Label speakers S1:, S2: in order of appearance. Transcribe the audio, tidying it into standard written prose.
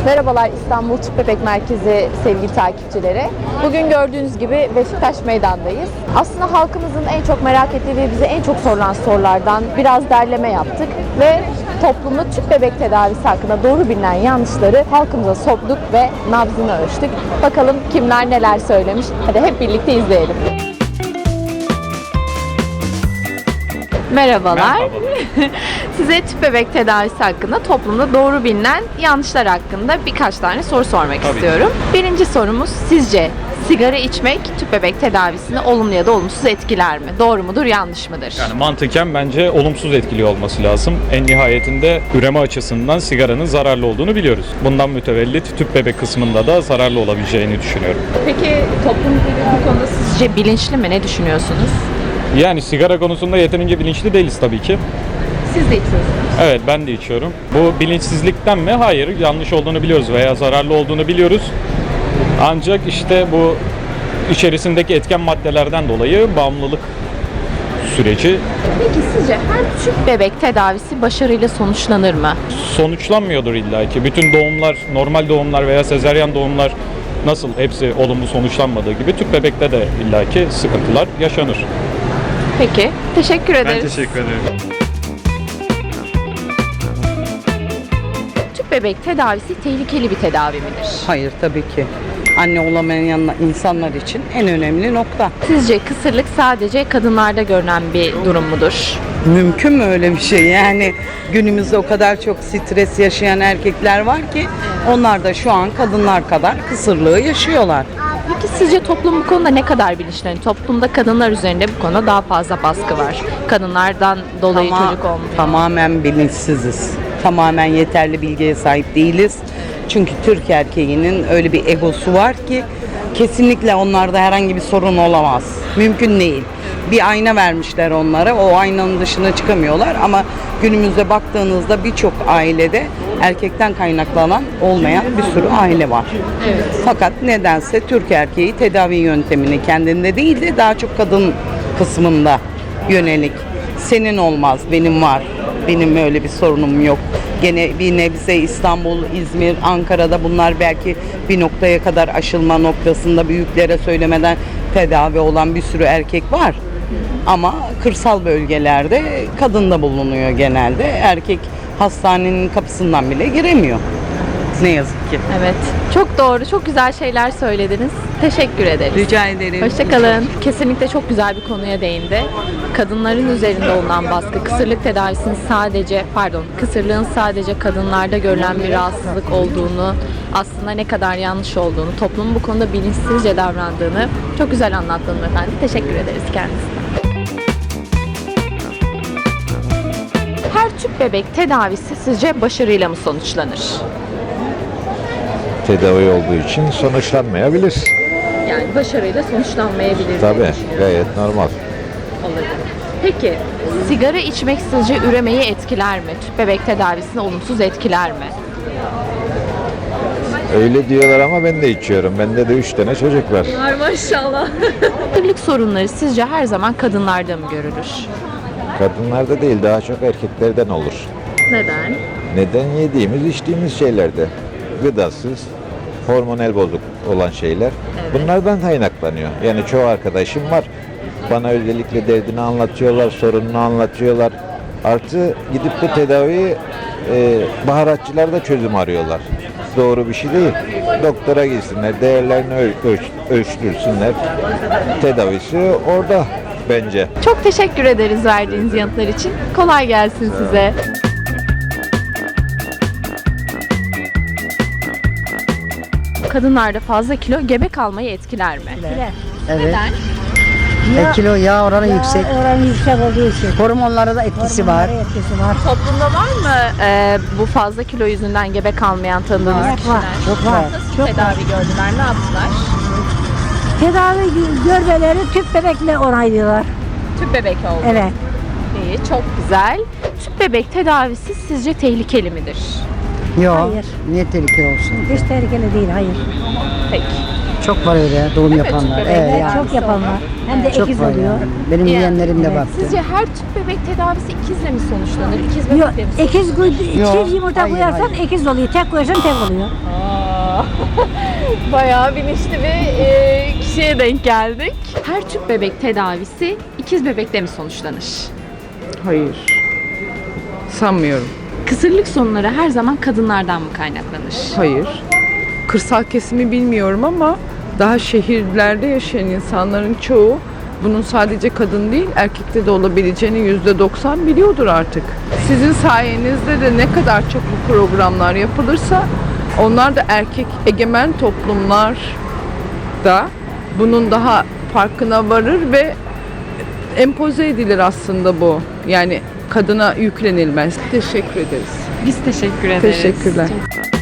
S1: Merhabalar İstanbul Tüp Bebek Merkezi sevgili takipçileri. Bugün gördüğünüz gibi Beşiktaş Meydan'dayız. Aslında halkımızın en çok merak ettiği ve bize en çok sorulan sorulardan biraz derleme yaptık ve toplumda tüp bebek tedavisi hakkında doğru bilinen yanlışları halkımıza sorduk ve nabzını ölçtük. Bakalım kimler neler söylemiş. Hadi hep birlikte izleyelim. Merhabalar. Size tüp bebek tedavisi hakkında toplumda doğru bilinen yanlışlar hakkında birkaç tane soru sormak istiyorum. Birinci sorumuz, sizce sigara içmek tüp bebek tedavisini olumlu ya da olumsuz etkiler mi? Doğru mudur, yanlış mıdır?
S2: Yani mantıken bence olumsuz etkiliyor olması lazım. En nihayetinde üreme açısından sigaranın zararlı olduğunu biliyoruz. Bundan mütevellit tüp bebek kısmında da zararlı olabileceğini düşünüyorum.
S1: Peki toplum bu konuda sizce bilinçli mi? Ne düşünüyorsunuz?
S2: Yani sigara konusunda yeterince bilinçli değiliz tabii ki.
S1: Siz de içiyorsunuz.
S2: Evet, ben de içiyorum. Bu bilinçsizlikten mi? Hayır, yanlış olduğunu biliyoruz veya zararlı olduğunu biliyoruz. Ancak işte bu içerisindeki etken maddelerden dolayı bağımlılık süreci
S1: Peki sizce her tüp bebek tedavisi başarıyla sonuçlanır mı?
S2: sonuçlanmıyordur illaki. Bütün doğumlar, normal doğumlar veya sezaryen doğumlar nasıl hepsi olumlu sonuçlanmadığı gibi tüp bebekte de illaki sıkıntılar yaşanır.
S1: Peki, teşekkür ederiz.
S2: Ben teşekkür ederim.
S1: Tüp bebek tedavisi tehlikeli bir tedavi midir?
S3: Hayır, tabii ki. Anne olamayan insanlar için en önemli nokta.
S1: Sizce kısırlık sadece kadınlarda görülen bir durum mudur?
S3: Mümkün mü öyle bir şey? Yani günümüzde o kadar çok stres yaşayan erkekler var ki onlar da şu an kadınlar kadar kısırlığı yaşıyorlar.
S1: Peki sizce toplum bu konuda ne kadar bilinçli? Yani toplumda kadınlar üzerinde bu konuda daha fazla baskı var. Kadınlardan dolayı çocuk olmuyor.
S3: Tamamen bilinçsiziz. Tamamen yeterli bilgiye sahip değiliz. Çünkü Türk erkeğinin öyle bir egosu var ki kesinlikle onlarda herhangi bir sorun olamaz. Mümkün değil. Bir ayna vermişler onlara. O aynanın dışına çıkamıyorlar ama günümüzde baktığınızda birçok ailede erkekten kaynaklanan olmayan bir sürü aile var.
S1: Evet.
S3: Fakat nedense Türk erkeği tedavi yöntemini kendinde değil de daha çok kadın kısmında yönelik. Senin olmaz, benim var. Benim öyle bir sorunum yok. Gene bir nebze İstanbul, İzmir, Ankara'da bunlar belki bir noktaya kadar aşılma noktasında büyüklere söylemeden tedavi olan bir sürü erkek var. Ama kırsal bölgelerde kadın da bulunuyor genelde. Erkek hastanenin kapısından bile giremiyor. Ne yazık ki.
S1: Evet. Çok doğru, çok güzel şeyler söylediniz. Teşekkür ederiz.
S3: Rica ederim.
S1: Hoşçakalın. Kesinlikle çok güzel bir konuya değindi. Kadınların üzerinde olunan baskı, kısırlığın sadece kadınlarda görülen bir rahatsızlık olduğunu, aslında ne kadar yanlış olduğunu, toplumun bu konuda bilinçsizce davrandığını çok güzel anlattınız efendim. Teşekkür ederiz kendisine. Her tüp bebek tedavisi sizce başarıyla mı sonuçlanır?
S4: Tedavi olduğu için sonuçlanmayabilir.
S1: Yani başarıyla sonuçlanmayabilir diye
S4: Tabii,
S1: düşünüyorum.
S4: gayet normal.
S1: Olabilir. Peki, sigara içmek sizce üremeyi etkiler mi? Tüp bebek tedavisini olumsuz etkiler mi?
S4: Öyle diyorlar ama ben de içiyorum. Bende de 3 tane çocuk var.
S1: Var maşallah. Kısırlık sorunları sizce her zaman kadınlarda mı görülür?
S4: Kadınlarda değil, daha çok erkeklerden olur.
S1: Neden?
S4: Neden? Yediğimiz, içtiğimiz şeylerde. Gıdasız, hormonal bozuk olan şeyler. Bunlardan kaynaklanıyor. Yani çoğu arkadaşım var. Bana özellikle derdini anlatıyorlar, sorununu anlatıyorlar. Artı gidip bu tedaviyi baharatçılar da çözüm arıyorlar. Doğru bir şey değil. Doktora gitsinler, değerlerini ölçtürsünler. Tedavisi orada bence.
S1: Çok teşekkür ederiz verdiğiniz yanıtlar için. Kolay gelsin size. Kadınlarda fazla kilo gebe kalmayı etkiler mi?
S5: Evet.
S1: Neden?
S5: Kilo yağ oranı yüksek.
S6: Oranı yüksek olduğu için.
S5: Hormonlara da etkisi var.
S6: Etkisi var.
S1: Toplumda var mı bu fazla kilo yüzünden gebe kalmayan tanıdığınız kişiler?
S5: Çok var.
S1: Nasıl tedavi gördüler? Ne yaptılar?
S6: Tedavi görmeleri tüp bebekle onaylıyorlar.
S1: Tüp bebek oldu.
S6: Evet.
S1: İyi, çok güzel. Tüp bebek tedavisi sizce tehlikeli midir?
S5: Yok.
S6: Hayır.
S5: Niye tehlikeli olsun?
S6: Hiç tehlikeli değil, hayır.
S1: Peki.
S5: Çok var öyle doğum yapanlar.
S6: Evet,
S5: yani.
S6: çok yapanlar. Hem de
S5: Çok
S6: ikiz
S5: var
S6: oluyor.
S5: yani. Benim yeğenlerim de var.
S1: Sizce her tüp bebek tedavisi ikizle mi sonuçlanır? İkiz
S6: Yok,
S1: bebekle mi sonuçlanır?
S6: ikiz yumurta
S5: Hayır,
S6: koyarsan ikiz oluyor. Tek koyarsan tek oluyor.
S1: Bayağı bilinçli bir kişiye denk geldik. Her tüp bebek tedavisi ikiz bebekle mi sonuçlanır?
S7: Hayır. Sanmıyorum.
S1: Kısırlık sorunları her zaman kadınlardan mı kaynaklanır?
S7: Hayır. Kırsal kesimi bilmiyorum ama daha şehirlerde yaşayan insanların çoğu bunun sadece kadın değil erkekte de olabileceğini %90 biliyordur artık. Sizin sayenizde de ne kadar çok bu programlar yapılırsa onlar da erkek egemen toplumlar da bunun daha farkına varır ve empoze edilir aslında bu. Yani kadına yüklenilmez. Teşekkür ederiz.
S1: Biz teşekkür ederiz.
S7: Teşekkürler.
S1: Çok sağ olun.